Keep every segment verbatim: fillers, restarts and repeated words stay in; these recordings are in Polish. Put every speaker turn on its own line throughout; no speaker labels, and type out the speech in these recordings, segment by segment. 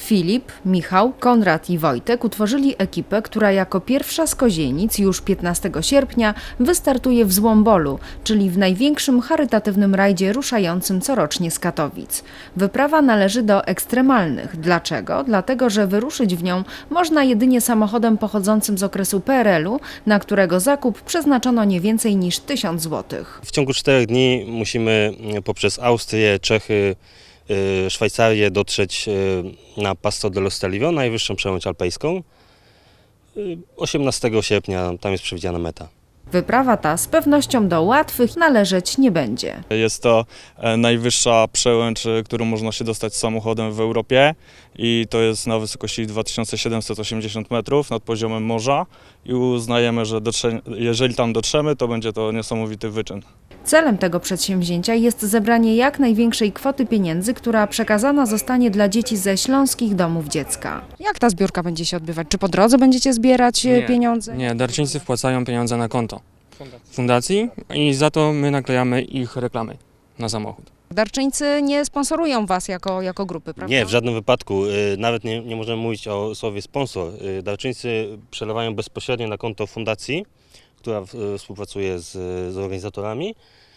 Filip, Michał, Konrad i Wojtek utworzyli ekipę, która jako pierwsza z Kozienic już piętnastego sierpnia wystartuje w Złombolu, czyli w największym charytatywnym rajdzie ruszającym corocznie z Katowic. Wyprawa należy do ekstremalnych. Dlaczego? Dlatego, że wyruszyć w nią można jedynie samochodem pochodzącym z okresu P R L u, na którego zakup przeznaczono nie więcej niż tysiąc złotych.
W ciągu czterech dni musimy poprzez Austrię, Czechy, Szwajcarię dotrzeć na Passo dello Stelvio, najwyższą przełęcz alpejską. osiemnastego sierpnia tam jest przewidziana meta.
Wyprawa ta z pewnością do łatwych należeć nie będzie.
Jest to najwyższa przełęcz, którą można się dostać samochodem w Europie i to jest na wysokości dwa tysiące siedemset osiemdziesiąt metrów nad poziomem morza i uznajemy, że dotrze, jeżeli tam dotrzemy, to będzie to niesamowity wyczyn.
Celem tego przedsięwzięcia jest zebranie jak największej kwoty pieniędzy, która przekazana zostanie dla dzieci ze śląskich domów dziecka.
Jak ta zbiórka będzie się odbywać? Czy po drodze będziecie zbierać
Nie,
pieniądze?
Nie, darczyńcy wpłacają pieniądze na konto fundacji i za to my naklejamy ich reklamy na samochód.
Darczyńcy nie sponsorują was jako, jako grupy, prawda?
Nie, w żadnym wypadku. Nawet nie, nie możemy mówić o słowie sponsor. Darczyńcy przelewają bezpośrednio na konto fundacji, która współpracuje z, z organizatorami,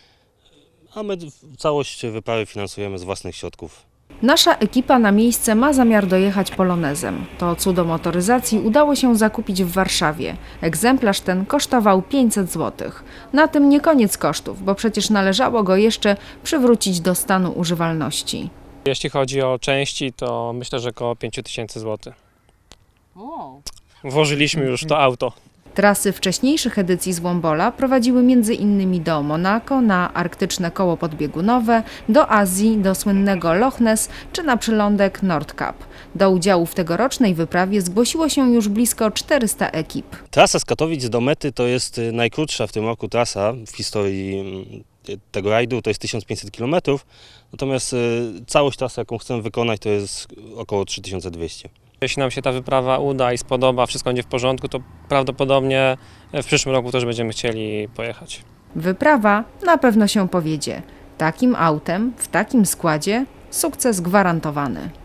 a my całość wyprawy finansujemy z własnych środków.
Nasza ekipa na miejsce ma zamiar dojechać polonezem. To cudo motoryzacji udało się zakupić w Warszawie. Egzemplarz ten kosztował pięćset złotych. Na tym nie koniec kosztów, bo przecież należało go jeszcze przywrócić do stanu używalności.
Jeśli chodzi o części, to myślę, że około pięć tysięcy złotych. Włożyliśmy już to auto.
Trasy wcześniejszych edycji Złombola prowadziły między innymi do Monako, na arktyczne koło podbiegunowe, do Azji, do słynnego Loch Ness czy na przylądek Nordkap. Do udziału w tegorocznej wyprawie zgłosiło się już blisko czterysta ekip.
Trasa z Katowic do mety to jest najkrótsza w tym roku trasa w historii tego rajdu, to jest tysiąc pięćset kilometrów, natomiast całość trasy, jaką chcemy wykonać, to jest około trzy tysiące dwieście.
Jeśli nam się ta wyprawa uda i spodoba, wszystko będzie w porządku, to prawdopodobnie w przyszłym roku też będziemy chcieli pojechać.
Wyprawa na pewno się powiedzie. Takim autem, w takim składzie, sukces gwarantowany.